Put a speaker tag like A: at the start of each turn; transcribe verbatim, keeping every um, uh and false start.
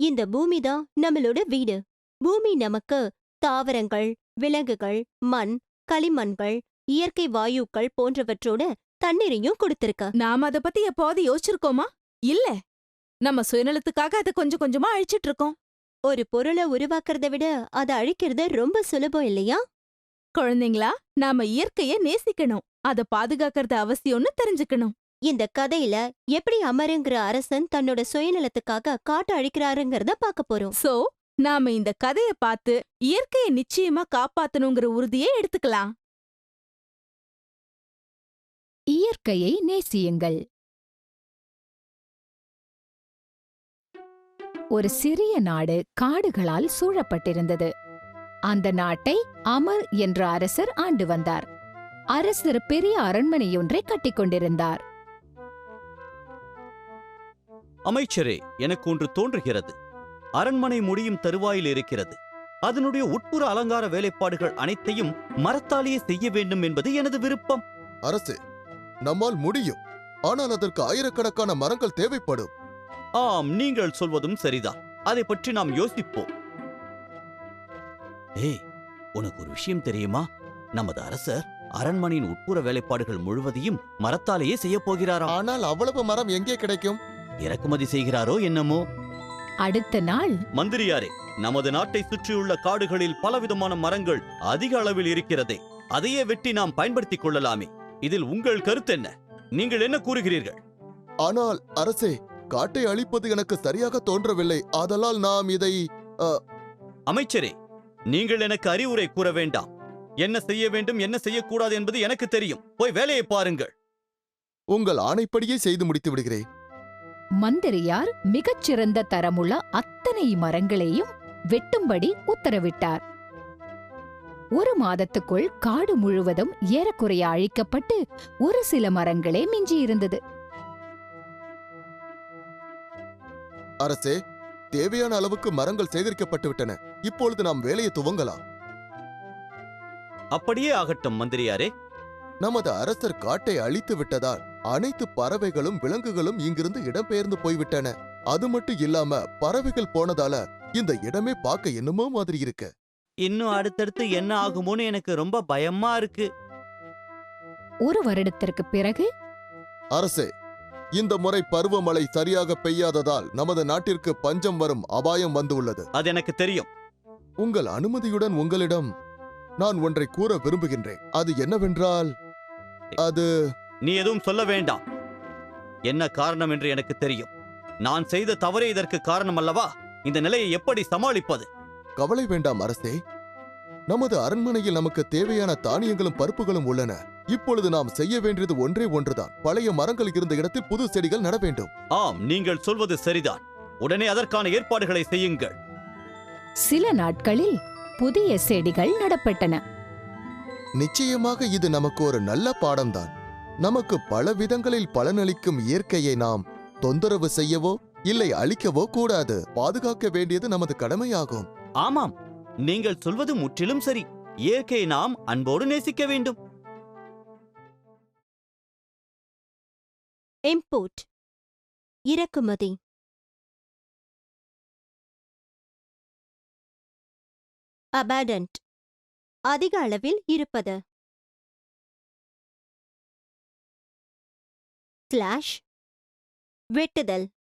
A: இந்த பூமி தான் நம்மளோட வீடு. பூமி நமக்கு தாவரங்கள், விலங்குகள், மண், களிமண்கள், இயற்கை வாயுக்கள் போன்றவற்றோட தண்ணீரையும் கொடுத்திருக்க.
B: நாம அத பத்தி எப்போது யோசிச்சிருக்கோமா? இல்ல. நம்ம சுயநலத்துக்காக அதை கொஞ்சம் கொஞ்சமா அழிச்சிட்டு இருக்கோம்.
A: ஒரு பொருளை உருவாக்குறத விட அதை அழிக்கிறது ரொம்ப சுலபம் இல்லையா?
B: குழந்தைங்களா, நாம இயற்கைய நேசிக்கணும், அத பாதுகாக்கிறது அவசியம்னு தெரிஞ்சுக்கணும்.
A: இந்த கதையில எப்படி அமருங்கிற அரசன் தன்னோட சுயநலத்துக்காக காட்டு அழிக்கிறாருங்கிறத பார்க்க போறோம்.
B: சோ, நாம இந்த கதைய பார்த்து இயற்கைய நிச்சயமா காப்பாத்தணுங்கிற உறுதியை எடுத்துக்கலாம்.
C: இயற்கையை நேசியுங்கள். ஒரு சிறிய நாடு காடுகளால் சூழப்பட்டிருந்தது. அந்த நாட்டை அமர் என்ற அரசர் ஆண்டு வந்தார். அரசர் பெரிய அரண்மனையொன்றை கட்டிக்கொண்டிருந்தார்.
D: அமைச்சரே, எனக்கு ஒன்று தோன்றுகிறது. அரண்மனை முடியும் தருவாயில் இருக்கிறது. அதனுடைய உட்புற அலங்கார வேலைப்பாடுகள் அனைத்தையும் மரத்தாலேயே செய்ய வேண்டும் என்பது எனது விருப்பம்.
E: அரசே, நம்மால் முடியும். ஆனால் அதற்கு ஆயிரக்கணக்கான மரங்கள் தேவைப்படும்.
D: ஆம், நீங்கள் சொல்வதும் சரிதான். அதை பற்றி நாம் யோசிப்போம். ஏய், உனக்கு ஒரு விஷயம் தெரியுமா? நமது அரசர் அரண்மனையின் உட்புற வேலைப்பாடுகள் முழுவதையும் மரத்தாலேயே செய்ய போகிறாராம்.
E: ஆனால் அவ்வளவு மரம் எங்கே கிடைக்கும்?
D: இறக்குமதி செய்கிறாரோ என்னமோ.
C: அடுத்த நாள்,
D: மந்திரியாரே, நமது நாட்டை சுற்றியுள்ள காடுகளில் பலவிதமான மரங்கள் அதிக அளவில் இருக்கிறதே. அதையே வெட்டி நாம் பயன்படுத்திக் கொள்ளலாமே. இதில் உங்கள் கருத்து என்ன? நீங்கள் என்ன கூறுகிறீர்கள்?
E: ஆனால் அரசே, காட்டை அழிப்பது எனக்கு சரியாக தோன்றவில்லை. ஆதலால் நாம் இதை...
D: அமைச்சரே, நீங்கள் எனக்கு அறிவுரை கூற வேண்டாம். என்ன செய்ய வேண்டும், என்ன செய்யக்கூடாது என்பது எனக்கு தெரியும். போய் வேலையை பாருங்கள்.
E: உங்கள் ஆணைப்படியே செய்து முடித்து விடுகிறேன்.
C: மந்திரியார் மிகச்சிறந்த தரமுள்ள அத்தனை மரங்களையும் வெட்டும்படி உத்தரவிட்டார். ஒரு மாதத்துக்குள் காடு முழுவதும் ஏறக்குறைய அழிக்கப்பட்டு ஒரு சில மரங்களே மிஞ்சியிருந்தது.
E: அரசே, தேவையான அளவுக்கு மரங்கள் சேகரிக்கப்பட்டு விட்டன. இப்பொழுது நாம் வேலையை துவங்கலாம்.
D: அப்படியே ஆகட்டும் மந்திரியாரே.
E: நமது அரசர் காட்டை அழித்து விட்டதால் அனைத்து பறவைகளும் விலங்குகளும் இங்கிருந்து இடம்பெயர்ந்து போய்விட்டன. அது மட்டும் இல்லாம பறவைகள் போனதால இந்த இடமே பார்க்க என்னமோ மாதிரி இருக்கு.
D: இன்னும் அடுத்தடுத்து என்ன ஆகுமோன்னு எனக்கு ரொம்ப பயமா இருக்கு.
C: ஒரு வருடத்திற்கு பிறகு,
E: அரசே, இந்த முறை பருவமழை சரியாக பெய்யாததால் நமது நாட்டிற்கு பஞ்சம் வரும் அபாயம் வந்துள்ளது.
D: அது எனக்கு தெரியும்.
E: உங்கள் அனுமதியுடன் உங்களிடம் நான் ஒன்றை கூற விரும்புகின்றேன். அது என்னவென்றால், அது...
D: நீ எதுவும் சொல்ல வேண்டாம். என்ன காரணம் என்று எனக்கு தெரியும். நான் செய்த தவறே இதற்கு காரணம் அல்லவா? இந்த நிலையை எப்படி சமாளிப்பது?
E: கவலை வேண்டாம் அரசே. நமது அரண்மனையில் நமக்கு தேவையான தானியங்களும் பருப்புகளும் உள்ளன. இப்பொழுது நாம் செய்ய வேண்டியது ஒன்றே ஒன்றுதான். பழைய மரங்கள் இருந்த இடத்தில் புது செடிகள் நட வேண்டும்.
D: ஆம், நீங்கள் சொல்வது சரிதான். உடனே அதற்கான ஏற்பாடுகளை செய்யுங்கள்.
C: சில நாட்களில் புதிய செடிகள் நடப்பட்டன.
E: நிச்சயமாக இது நமக்கு ஒரு நல்ல பாடம்தான். நமக்கு பல விதங்களில் பலனளிக்கும் இயற்கையை நாம் தொந்தரவு செய்யவோ இல்லை அழிக்கவோ கூடாது. பாதுகாக்க வேண்டியது நமது கடமையாகும்.
D: ஆமாம், நீங்கள் சொல்வது முற்றிலும் சரி. இயற்கையை நாம் அன்போடு நேசிக்க வேண்டும்.
A: இம்போர்ட், இறக்குமதி. அபாண்டன்ட், அதிக அளவில் இருப்பது. ஸ்லாஷ், வெட்டுதல்.